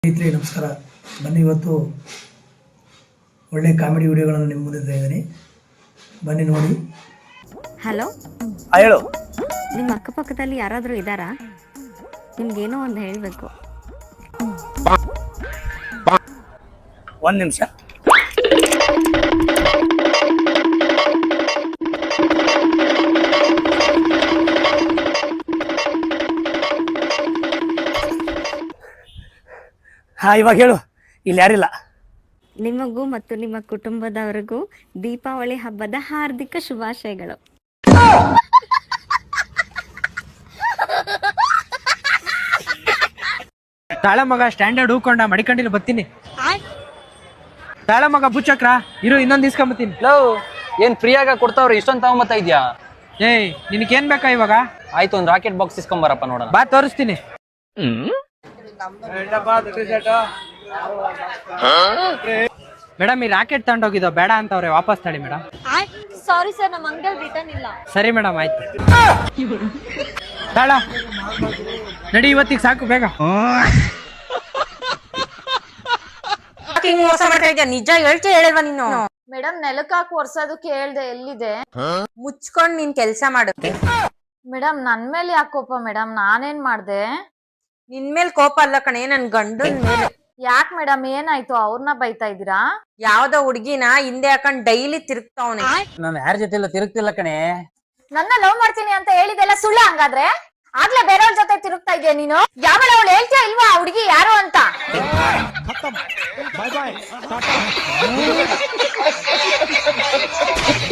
ಸ್ನೇಹಿತರೆ ನಮಸ್ಕಾರ. ಬನ್ನಿ ಇವತ್ತು ಒಳ್ಳೆ ಕಾಮಿಡಿ ವಿಡಿಯೋಗಳನ್ನು ನಿಮ್ಮ ಮುಂದೆ ತಂದಿದ್ದೀನಿ, ಬನ್ನಿ ನೋಡಿ. ಹಲೋ, ಹೇಳು. ನಿಮ್ಮ ಅಕ್ಕಪಕ್ಕದಲ್ಲಿ ಯಾರಾದರೂ ಇದ್ದಾರಾ? ನಿಮ್ಗೇನೋ ಒಂದು ಹೇಳಬೇಕು. ಒಂದು ನಿಮಿಷ. ಹಾಂ, ಇವಾಗ ಹೇಳು. ಇಲ್ಲಿ ಯಾರಿಲ್ಲ. ನಿಮಗೂ ಮತ್ತು ನಿಮ್ಮ ಕುಟುಂಬದವರಿಗೂ ದೀಪಾವಳಿ ಹಬ್ಬದ ಹಾರ್ದಿಕ ಶುಭಾಶಯಗಳು. ತಾಳ ಮಗ ಸ್ಟ್ಯಾಂಡರ್ಡ್ ಹೂಕೊಂಡ ಮಡಿಕಂಡಿಲ್ಲ ಬರ್ತೀನಿ. ತಾಳ ಮಗ ಬುಚ್ಚಕ್ರ ಇರು, ಇನ್ನೊಂದು ಇಸ್ಕೊಂಬತ್ತೀನಿ. ಲವ್ ಏನ್ ಫ್ರೀಯಾಗ ಕೊಡ್ತಾವ್ರಿ, ಇಷ್ಟೊಂದು ತಗೊಂಬತ್ತಾ ಇದ್ಯಾ? ಏಯ್, ನಿನಗೇನ್ ಬೇಕಾ ಇವಾಗ? ಆಯ್ತು, ಒಂದು ರಾಕೆಟ್ ಬಾಕ್ಸ್ ಇಸ್ಕೊಂಬರಪ್ಪ ನೋಡೋಣ. ಬಾ ತೋರಿಸ್ತೀನಿ. ಮೇಡಮ್, ಈ ರಾಕೆಟ್ ತಗೊಂಡೋಗಿದ್ದೋ ಬೇಡ ಅಂತವ್ರೆ, ವಾಪಸ್ ತಳಿ ಮೇಡಮ್. ಸಾರಿ ಸರ್, ನಮ್ಮ ಅಂಗಡಿಯಲ್ಲಿ ರಿಟರ್ನ್ ಇಲ್ಲ. ಸರಿ ಮೇಡಮ್, ಆಯ್ತು. ತಾಳ ನಡಿ, ಇವತ್ತಿಗೆ ಸಾಕು, ಬೇಗ. ಮೋಸ ಮಾಡ್ತಾ ಇದ್ಯಾ? ನಿಜ ಹೇಳ್ತೀಯ ಹೇಳಿಲ್ವಾ ನೀನು? ಮೇಡಮ್, ನೆಲಕ್ಕೆ ಹಾಕಿ ಒರ್ಸೋದಕ್ಕೆ ಹೇಳ್ದೆ, ಎಲ್ಲಿದೆ? ಮುಚ್ಕೊಂಡ್ ನೀನ್ ಕೆಲ್ಸ ಮಾಡು. ಮೇಡಮ್, ನನ್ ಮೇಲೆ ಯಾಕೆ ಕೋಪ ಮೇಡಮ್? ನಾನೇನ್ ಮಾಡ್ದೆ? ನಿನ್ ಮೇಲ್ ಕೋಪ ಅಲ್ಲ ಕಣೆ, ನನ್ ಗಂಡನ್ ಮೇಲೆ. ಯಾಕೆ ಮೇಡಮ್, ಏನಾಯ್ತು? ಅವ್ರನ್ನ ಬೈತಾ ಇದೀರಾ? ಯಾವ್ದೋ ಹುಡ್ಗಿನ ಹಿಂದೆ ಹಾಕೊಂಡ್ ಡೈಲಿ ತಿರುಗ್ತಾವನೆ. ನಾನು ಯಾರ ಜೊತೆ ಇಲ್ಲ ತಿರುಗ್ತಿಲ್ಲ ಕಣೆ. ನನ್ನ ಲವ್ ಮಾಡ್ತೀನಿ ಅಂತ ಹೇಳಿದೆಲ್ಲ ಸುಳ್ಳ ಹಂಗಾದ್ರೆ? ಆಗ್ಲೇ ಬೇರೆಯವ್ರ ಜೊತೆ ತಿರುಗ್ತಾ ಇದ್ಯಾ ನೀನು? ಯಾವಳ ಅವಳು ಹೇಳ್ತೀಯ ಇಲ್ವಾ ಹುಡುಗಿ ಯಾರು ಅಂತ?